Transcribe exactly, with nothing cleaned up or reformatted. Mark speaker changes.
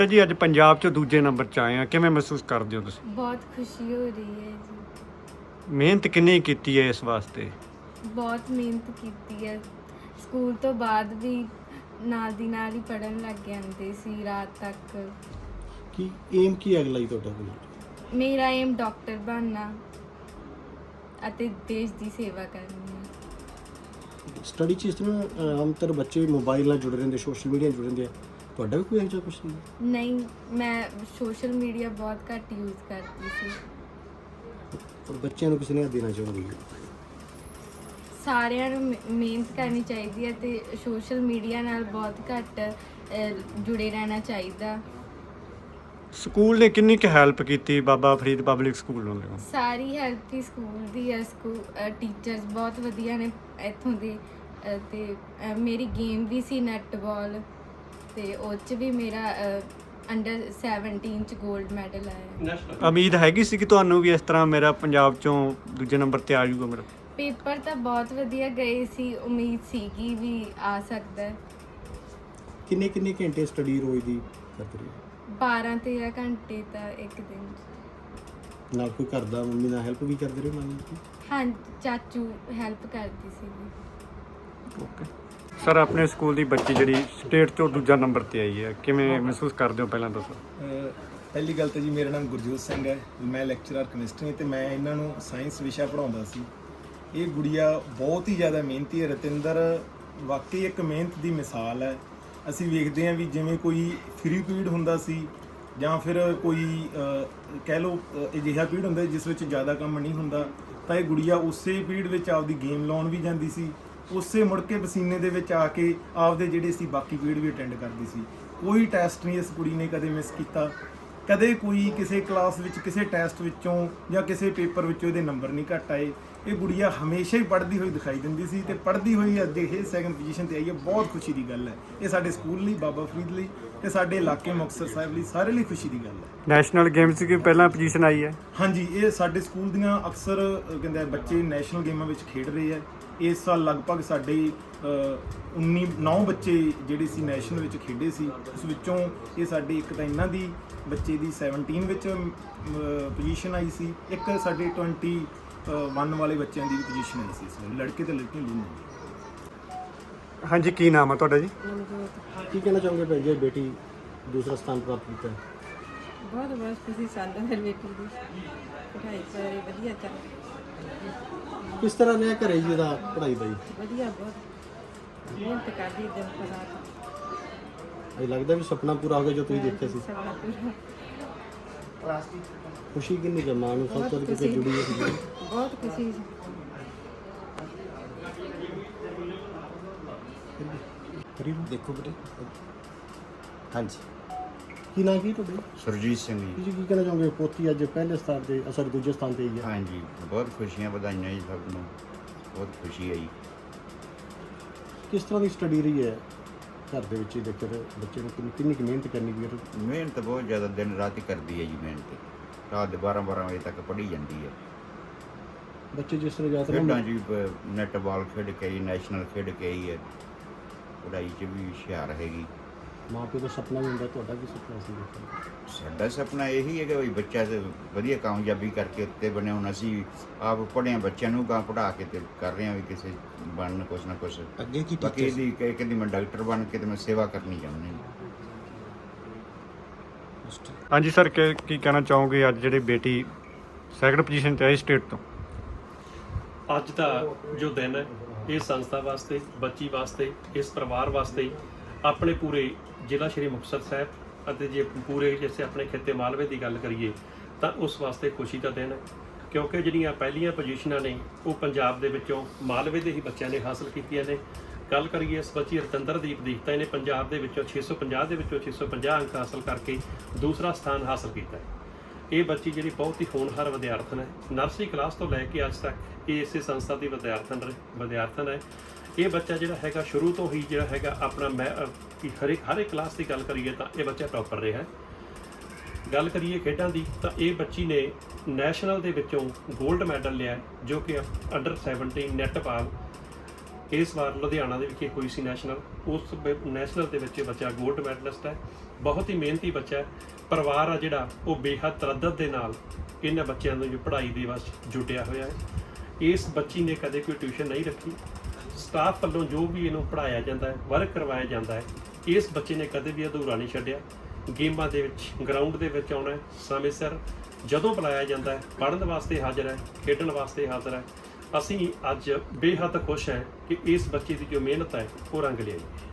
Speaker 1: ਜੀ ਅੱਜ ਪੰਜਾਬ 'ਚ ਦੂਜੇ ਨੰਬਰ 'ਚ ਆਏ ਆ, ਕਿਵੇਂ ਮਹਿਸੂਸ ਕਰਦੇ ਹੋ ਤੁਸੀਂ?
Speaker 2: बहुत खुशी हो रही है जी।
Speaker 1: ਮਿਹਨਤ ਕਿੰਨੀ ਕੀਤੀ ਹੈ ਇਸ ਵਾਸਤੇ?
Speaker 2: बहुत मेहनत की है। ਸਕੂਲ ਤੋਂ ਬਾਅਦ ਵੀ ਨਾਲ ਦੀ ਨਾਲ ਹੀ ਪੜਨ ਲੱਗ ਜਾਂਦੇ ਸੀ ਰਾਤ ਤੱਕ।
Speaker 3: ਕੀ ਏਮ ਕੀ ਹੈ ਅਗਲਾ ਹੀ ਤੁਹਾਡਾ ਕੋਈ?
Speaker 2: ਮੇਰਾ ਏਮ ਡਾਕਟਰ ਬਣਨਾ ਅਤੇ ਦੇਸ਼ ਦੀ ਸੇਵਾ ਕਰਨੀ ਹੈ।
Speaker 3: ਸਟੱਡੀ 'ਚ ਇਸ ਤਰ੍ਹਾਂ ਆਮ ਤੌਰ ਬੱਚੇ ਮੋਬਾਈਲ ਨਾਲ ਜੁੜੇ ਰਹਿੰਦੇ, ਸੋਸ਼ਲ ਮੀਡੀਆ ਨਾਲ ਜੁੜੇ ਰਹਿੰਦੇ ਆ, ਤੁਹਾਡਾ ਵੀ ਕੋਈ ਇਹੋ ਜਿਹਾ ਕੁਛ ਨਹੀਂ?
Speaker 2: ਨਹੀਂ, ਮੈਂ ਸੋਸ਼ਲ ਮੀਡੀਆ ਬਹੁਤ ਘੱਟ ਯੂਜ਼ ਕਰਦੀ ਸੀ।
Speaker 3: ਪਰ ਬੱਚਿਆਂ ਨੂੰ ਕਿਸੇ ਨੇ ਦੇਣਾ ਚਾਹੁੰਦੀ ਹੈ
Speaker 2: ਸਾਰਿਆਂ ਨੂੰ ਮਿ- ਮਿਹਨਤ ਕਰਨੀ ਚਾਹੀਦੀ ਹੈ ਤੇ ਸੋਸ਼ਲ ਮੀਡੀਆ ਨਾਲ ਬਹੁਤ ਘੱਟ ਅ, ਜੁੜੇ ਰਹਿਣਾ ਚਾਹੀਦਾ।
Speaker 1: ਸਕੂਲ ਨੇ ਕਿੰਨੀ ਕੁ ਹੈਲਪ ਕੀਤੀ ਬਾਬਾ ਫਰੀਦ ਪਬਲਿਕ ਸਕੂਲ ਨੂੰ?
Speaker 2: ਸਾਰੀ ਹੈਲਪ ਹੀ ਸਕੂਲ ਦੀ ਹੈ। ਸਕੂਲ ਟੀਚਰਸ ਬਹੁਤ ਵਧੀਆ ਨੇ ਇੱਥੋਂ ਦੇ ਅ, ਤੇ ਅ, ਮੇਰੀ ਗੇਮ ਵੀ ਸੀ ਨੈੱਟਬਾਲ ਤੇ ਉਹ 'ਚ ਵੀ ਮੇਰਾ ਅੰਡਰ ਸੈਵਨਟੀਨ 'ਚ 골ਡ ਮੈਡਲ ਆਇਆ।
Speaker 1: ਉਮੀਦ ਹੈਗੀ ਸੀ ਕਿ ਤੁਹਾਨੂੰ ਵੀ ਇਸ ਤਰ੍ਹਾਂ ਮੇਰਾ ਪੰਜਾਬ 'ਚੋਂ ਦੂਜੇ ਨੰਬਰ ਤੇ ਆ ਜਾਊਗਾ ਮੇਰਾ?
Speaker 2: ਪੇਪਰ ਤਾਂ ਬਹੁਤ ਵਧੀਆ ਗਏ ਸੀ, ਉਮੀਦ ਸੀਗੀ ਵੀ ਆ ਸਕਦਾ ਹੈ।
Speaker 3: ਕਿੰਨੇ ਕਿੰਨੇ ਘੰਟੇ ਸਟੱਡੀ ਰੋਜ਼ ਦੀ ਕਰਦੇ ਰਹੇ?
Speaker 2: ਬਾਰਾਂ ਤੇਰਾਂ ਘੰਟੇ ਤਾਂ ਇੱਕ ਦਿਨ 'ਚ।
Speaker 3: ਨਾਲ ਕੋਈ ਘਰ ਦਾ ਮੰਮੀ ਨਾਲ ਹੈਲਪ ਵੀ ਕਰਦੇ ਰਹੇ ਮੰਨ ਲਓ?
Speaker 2: ਹਾਂ, ਚਾਚੂ ਹੈਲਪ ਕਰਦੀ ਸੀਗੀ।
Speaker 1: ਓਕੇ ਸਰ, ਆਪਣੇ ਸਕੂਲ ਦੀ ਬੱਚੀ ਜਿਹੜੀ ਸਟੇਟ ਤੋਂ ਦੂਜਾ ਨੰਬਰ ਤੇ ਆਈ ਹੈ, ਕਿਵੇਂ ਮਹਿਸੂਸ ਕਰਦੇ ਹੋ ਪਹਿਲਾਂ ਦੱਸੋ?
Speaker 4: ਅਹ ਪਹਿਲੀ ਗੱਲ ਤਾਂ ਜੀ ਮੇਰਾ ਨਾਮ ਗੁਰਜੋਤ ਸਿੰਘ ਹੈ, ਮੈਂ ਲੈਕਚਰਰ ਕੈਮਿਸਟਰੀ ਤੇ ਮੈਂ ਇਹਨਾਂ ਨੂੰ ਸਾਇੰਸ ਵਿਸ਼ਾ ਪੜ੍ਹਾਉਂਦਾ ਸੀ। ਇਹ ਗੁੜੀਆ ਬਹੁਤ ਹੀ ਜ਼ਿਆਦਾ ਮਿਹਨਤੀ ਹੈ। ਰਤਿੰਦਰ ਵਾਕਈ ਇੱਕ ਮਿਹਨਤ ਦੀ ਮਿਸਾਲ ਹੈ। ਅਸੀਂ ਵੇਖਦੇ ਹਾਂ ਵੀ ਜਿਵੇਂ ਕੋਈ ਫਰੀ ਪੀਰੀਅਡ ਹੁੰਦਾ ਸੀ ਜਾਂ ਫਿਰ ਕੋਈ ਅਹ, ਕਹਿ ਲਓ ਅਹ, ਅਜਿਹਾ ਪੀਰੀਅਡ ਹੁੰਦਾ ਜਿਸ ਵਿੱਚ ਜ਼ਿਆਦਾ ਕੰਮ ਨਹੀਂ ਹੁੰਦਾ, ਤਾਂ ਇਹ ਗੁੜੀਆ ਉਸੇ ਪੀਰੀਅਡ ਵਿੱਚ ਆਪਦੀ ਗੇਮ ਲਾਉਣ ਵੀ ਜਾਂਦੀ ਸੀ, ਉਸੇ ਮੁੜ ਕੇ ਪਸੀਨੇ ਦੇ ਵਿੱਚ ਆ ਕੇ ਆਪਦੇ ਜਿਹੜੇ ਸੀ ਬਾਕੀ ਪੀਰੀਅਡ ਵੀ ਅਟੈਂਡ ਕਰਦੀ ਸੀ। ਕੋਈ ਟੈਸਟ ਨਹੀਂ ਇਸ ਕੁੜੀ ਨੇ ਕਦੇ ਮਿਸ ਕੀਤਾ, ਕਦੇ ਕੋਈ ਕਿਸੇ ਕਲਾਸ ਵਿੱਚ ਕਿਸੇ ਟੈਸਟ ਵਿੱਚੋਂ ਜਾਂ ਕਿਸੇ ਪੇਪਰ ਵਿੱਚੋਂ ਇਹਦੇ ਨੰਬਰ ਨਹੀਂ ਘੱਟ ਆਏ। ਇਹ ਗੁੜੀਆ ਹਮੇਸ਼ਾ ਹੀ ਪੜ੍ਹਦੀ ਹੋਈ ਦਿਖਾਈ ਦਿੰਦੀ ਸੀ ਤੇ ਪੜ੍ਹਦੀ ਹੋਈ ਅੱਜ ਇਹ ਸੈਕੰਡ ਪੋਜੀਸ਼ਨ ਤੇ ਆਈ ਹੈ। ਬਹੁਤ ਖੁਸ਼ੀ ਦੀ ਗੱਲ ਹੈ। ਇਹ ਸਾਡੇ ਸਕੂਲ ਲਈ, ਬਾਬਾ ਫਰੀਦ ਲਈ ਤੇ ਸਾਡੇ ਇਲਾਕੇ ਮੁਕਤਸਰ ਸਾਹਿਬ ਲਈ, ਸਾਰੇ ਲਈ ਖੁਸ਼ੀ ਦੀ ਗੱਲ ਹੈ।
Speaker 1: ਨੈਸ਼ਨਲ ਗੇਮਸ ਦੀ ਪਹਿਲਾਂ ਪੋਜੀਸ਼ਨ ਆਈ ਹੈ?
Speaker 4: ਹਾਂਜੀ, ਇਹ ਸਾਡੇ ਸਕੂਲ ਦੀਆਂ ਅਕਸਰ ਅ, ਕਹਿੰਦੇ ਆ, ਬੱਚੇ ਨੈਸ਼ਨਲ ਗੇਮਾਂ ਵਿੱਚ ਖੇਡ ਰਹੇ ਆ। ਇਸ ਸਾਲ ਲਗਭਗ ਸਾਡੇ ਉੱਨੀ ਨੌ ਬੱਚੇ ਜਿਹੜੇ ਸੀ ਨੈਸ਼ਨਲ ਵਿੱਚ ਖੇਡੇ ਸੀ। ਉਸ ਵਿੱਚੋਂ ਇਹ ਸਾਡੇ ਇੱਕ ਤਾਂ ਇਹਨਾਂ ਦੀ ਬੱਚੇ ਦੀ ਸੈਵਨਟੀਨ ਵਿੱਚ ਪੋਜੀਸ਼ਨ ਆਈ ਸੀ, ਇੱਕ ਸਾਡੇ ਟਵੈਂਟੀ ਵਨ ਵਾਲੇ ਬੱਚਿਆਂ ਦੀ ਵੀ ਪੋਜੀਸ਼ਨ ਆਈ ਸੀ। ਇਸ ਵਾਰ ਲੜਕੇ ਤੇ ਲੜਕੀਆਂ ਦੋਨੋਂ।
Speaker 1: ਹਾਂਜੀ, ਕੀ ਨਾਮ ਹੈ ਤੁਹਾਡਾ ਜੀ?
Speaker 3: ਕੀ ਕਹਿਣਾ ਚਾਹੋਗੇ ਭੈਣ ਜੀ, ਬੇਟੀ ਦੂਸਰਾ ਸਥਾਨ ਪ੍ਰਾਪਤ ਕੀਤਾ ਹੈ?
Speaker 5: ਬਹੁਤ ਬਹੁਤ ਖੁਸ਼ੀ ਸਾਨੂੰ ਫਿਰ ਬੇਟੀ ਦੀ ਪੜ੍ਹਾਈ ਸਾਰੀ ਵਧੀਆ ਚੱਲ
Speaker 3: ਕਿਸ ਤਰ੍ਹਾਂ ਰਿਹਾ ਘਰੇ ਜੀ ਦਾ ਪੜ੍ਹਾਈ ਦਾ ਜੀ?
Speaker 5: ਵਧੀਆ, ਬਹੁਤ ਮਿਹਨਤ ਕਰਦੀ ਦਿਨ ਰਾਤ।
Speaker 3: ਇਹ ਲੱਗਦਾ ਵੀ ਸੁਪਨਾ ਪੂਰਾ ਹੋ ਗਿਆ ਜੋ ਤੁਸੀਂ ਦੇਖਿਆ ਸੀ?
Speaker 5: ਸਭ ਪੂਰਾ
Speaker 3: ਖੁਸ਼ੀ ਕਿੰਨੀ ਕੁ ਮਾਂ ਨੂੰ ਸਭ ਤੋਂ
Speaker 5: ਬਹੁਤ
Speaker 3: ਕਿਤੇ
Speaker 5: ਖੁਸ਼ੀ,
Speaker 3: ਜੁੜੀ ਹੈ?
Speaker 5: ਬਹੁਤ ਖੁਸ਼ੀ।
Speaker 3: ਦੇਖੋ ਬੇਟੇ, ਹਾਂਜੀ ਕੀ ਨਾਮ ਕੀ ਤੁਹਾਡਾ?
Speaker 6: ਸੁਰਜੀਤ ਸਿੰਘ ਜੀ।
Speaker 3: ਤੁਸੀਂ ਕੀ ਕਹਿਣਾ ਚਾਹੋਗੇ, ਪੋਤੀ ਅੱਜ ਪਹਿਲੇ ਸਥਾਨ ਤੇ ਅਸਰ ਦੂਜੇ ਸਥਾਨ ਤੇ ਆਈ ਹੈ?
Speaker 6: ਹਾਂਜੀ, ਬਹੁਤ ਖੁਸ਼ੀਆਂ, ਵਧਾਈਆਂ ਜੀ ਸਭ ਨੂੰ, ਬਹੁਤ ਖੁਸ਼ੀ ਆਈ।
Speaker 3: ਕਿਸ ਤਰ੍ਹਾਂ ਦੀ ਸਟੱਡੀ ਰਹੀ ਹੈ ਘਰ ਦੇ ਵਿੱਚ? ਦੇਖੋ ਬੱਚੇ ਨੂੰ ਕਿੰਨੀ ਕਿੰਨੀ ਕੁ ਮਿਹਨਤ ਕਰਨੀ ਪਈ ਹੈ?
Speaker 6: ਮਿਹਨਤ ਬਹੁਤ ਜ਼ਿਆਦਾ, ਦਿਨ ਰਾਤ ਹੀ ਕਰਦੀ ਹੈ ਜੀ ਮਿਹਨਤ। ਰਾਤ ਦੇ ਬਾਰਾਂ ਬਾਰਾਂ ਵਜੇ ਤੱਕ ਪੜ੍ਹੀ ਜਾਂਦੀ ਹੈ।
Speaker 3: ਬੱਚੇ ਜਿਸ ਤਰ੍ਹਾਂ ਜ਼ਿਆਦਾ
Speaker 6: ਖੇਡਾਂ ਜੀ, ਨੈੱਟਬਾਲ ਖੇਡ ਕੇ ਆਈ, ਨੈਸ਼ਨਲ ਖੇਡ ਕੇ ਆਈ ਹੈ। ਪੜ੍ਹਾਈ 'ਚ ਵੀ ਹੁਸ਼ਿਆਰ ਹੈਗੀ।
Speaker 3: ਮਾਂ ਪਿਓ ਦਾ ਸੁਪਨਾ ਵੀ ਹੁੰਦਾ, ਤੁਹਾਡਾ ਕੀ ਸੁਪਨਾ ਸੀ ਦੇਖੋ?
Speaker 6: ਸਾਡਾ ਸੁਪਨਾ ਇਹੀ ਹੈ ਕਿ ਵੀ ਬੱਚਾ ਤੇ ਵਧੀਆ ਕਾਮਯਾਬੀ ਕਰਕੇ ਉੱਤੇ ਬਣੇ। ਹੁਣ ਅਸੀਂ ਆਪ ਪੜ੍ਹੇ ਹਾਂ, ਬੱਚਿਆਂ ਨੂੰ ਗਾਂ ਪੜ੍ਹਾ ਕੇ ਤੇ ਕਰ ਰਹੇ ਹਾਂ ਵੀ ਕਿਸੇ ਬਣਨ ਕੁਛ ਨਾ ਕੁਛ।
Speaker 3: ਅੱਗੇ ਕੀ
Speaker 6: ਬਾਕੀ ਇਹਦੀ ਕਹਿ ਕਹਿੰਦੀ ਮੈਂ ਡਾਕਟਰ ਬਣ ਕੇ ਤੇ ਮੈਂ ਸੇਵਾ ਕਰਨੀ ਚਾਹੁੰਦੀ ਹਾਂ।
Speaker 1: ਹਾਂਜੀ ਸਰ, ਕੀ ਕੀ ਕਹਿਣਾ ਚਾਹੋਗੇ ਅੱਜ ਜਿਹੜੀ ਬੇਟੀ ਸੈਕੰਡ ਪੋਜੀਸ਼ਨ ਤੇ ਆਈ ਸਟੇਟ ਤੋਂ?
Speaker 7: ਅੱਜ ਦਾ ਜੋ ਦਿਨ ਹੈ, ਇਹ ਸੰਸਥਾ ਵਾਸਤੇ, ਬੱਚੀ ਵਾਸਤੇ, ਇਸ ਪਰਿਵਾਰ ਵਾਸਤੇ, ਆਪਣੇ ਪੂਰੇ ਜ਼ਿਲ੍ਹਾ ਸ਼੍ਰੀ ਮੁਕਤਸਰ ਸਾਹਿਬ ਅਤੇ ਜੇ ਪੂਰੇ ਜਿਵੇਂ ਆਪਣੇ ਖਿੱਤੇ ਮਾਲਵੇ ਦੀ ਗੱਲ ਕਰੀਏ ਤਾਂ ਉਸ ਵਾਸਤੇ ਖੁਸ਼ੀ ਦਾ ਦਿਨ ਹੈ। ਕਿਉਂਕਿ ਜਿਹੜੀਆਂ ਪਹਿਲੀਆਂ ਪੋਜੀਸ਼ਨਾਂ ਨੇ ਉਹ ਪੰਜਾਬ ਦੇ ਵਿੱਚੋਂ ਮਾਲਵੇ ਦੇ ਹੀ ਬੱਚਿਆਂ ਨੇ ਹਾਸਲ ਕੀਤੀਆਂ ਨੇ। ਗੱਲ ਕਰੀਏ ਇਸ ਬੱਚੀ ਰਤਿੰਦਰਦੀਪ ਦੀ, ਤਾਂ ਇਹਨੇ ਪੰਜਾਬ ਦੇ ਵਿੱਚੋਂ ਛੇ ਸੌ ਪੰਜਾਹ ਦੇ ਵਿੱਚੋਂ ਛੇ ਸੌ ਪੰਜਾਹ ਅੰਕ ਹਾਸਲ ਕਰਕੇ ਦੂਸਰਾ ਸਥਾਨ ਹਾਸਲ ਕੀਤਾ ਹੈ। ਇਹ ਬੱਚੀ ਜਿਹੜੀ ਬਹੁਤ ਹੀ ਹੋਣਹਾਰ ਵਿਦਿਆਰਥਣ ਹੈ। ਨਰਸਰੀ ਕਲਾਸ ਤੋਂ ਲੈ ਕੇ ਅੱਜ ਤੱਕ ਇਹ ਇਸੇ ਸੰਸਥਾ ਦੀ ਵਿਦਿਆਰਥਣ ਵਿਦਿਆਰਥਣ ਹੈ। ਇਹ ਬੱਚਾ ਜਿਹੜਾ ਹੈਗਾ ਸ਼ੁਰੂ ਤੋਂ ਹੀ ਜਿਹੜਾ ਹੈਗਾ ਆਪਣਾ ਮੈਂ ਹਰ ਇੱਕ ਹਰ ਇੱਕ ਕਲਾਸ ਦੀ ਗੱਲ ਕਰੀਏ ਤਾਂ ਇਹ ਬੱਚਾ ਟੌਪਰ ਰਿਹਾ। ਗੱਲ ਕਰੀਏ ਖੇਡਾਂ ਦੀ ਤਾਂ ਇਹ ਬੱਚੀ ਨੇ ਨੈਸ਼ਨਲ ਦੇ ਵਿੱਚੋਂ 골ਡ ਮੈਡਲ ਲਿਆ, ਜੋ ਕਿ ਅੰਡਰ ਸੈਵਨਟੀਨ ਨੈੱਟਬਾਲ ਇਸ ਵਾਰ ਲੁਧਿਆਣਾ ਦੇ ਵਿਖੇ ਹੋਈ ਸੀ ਨੈਸ਼ਨਲ। ਉਸ ਨੈਸ਼ਨਲ ਦੇ ਵਿੱਚ ਬੱਚਾ 골ਡ ਮੈਡਲਿਸਟ ਹੈ। ਬਹੁਤ ਹੀ ਮਿਹਨਤੀ ਬੱਚਾ ਹੈ। ਪਰਿਵਾਰ ਆ ਜਿਹੜਾ ਉਹ ਬੇਹੱਦ ਤਰੱਦਤ ਦੇ ਨਾਲ ਇਹਨਾਂ ਬੱਚਿਆਂ ਨੂੰ ਜੋ ਪੜ੍ਹਾਈ ਦੇ ਵਾਸਤੇ ਜੁਟਿਆ ਹੋਇਆ ਹੈ। ਇਸ ਬੱਚੀ ਨੇ ਕਦੇ ਕੋਈ ਟਿਊਸ਼ਨ ਨਹੀਂ ਰੱਖੀ। ਸਟਾਫ ਵੱਲੋਂ ਜੋ ਵੀ ਇਹਨੂੰ ਪੜ੍ਹਾਇਆ ਜਾਂਦਾ ਹੈ, ਵਰਕ ਕਰਵਾਇਆ ਜਾਂਦਾ ਹੈ, ਇਸ ਬੱਚੇ ਨੇ ਕਦੇ ਵੀ ਅਧੂਰਾ ਨਹੀਂ ਛੱਡਿਆ। ਗੇਮਾਂ ਦੇ ਵਿੱਚ, ਗਰਾਊਂਡ ਦੇ ਵਿੱਚ ਆਉਣਾ ਹੈ, ਸਮੇਂ ਸਿਰ ਜਦੋਂ ਬੁਲਾਇਆ ਜਾਂਦਾ ਹੈ ਪੜ੍ਹਨ ਵਾਸਤੇ ਹਾਜ਼ਰ ਹੈ, ਖੇਡਣ ਵਾਸਤੇ ਹਾਜ਼ਰ ਹੈ। ਅਸੀਂ ਅੱਜ ਬੇਹੱਦ ਖੁਸ਼ ਹਾਂ ਕਿ ਇਸ ਬੱਚੇ ਦੀ ਜੋ ਮਿਹਨਤ ਹੈ ਉਹ ਰੰਗ ਲਿਆਈ।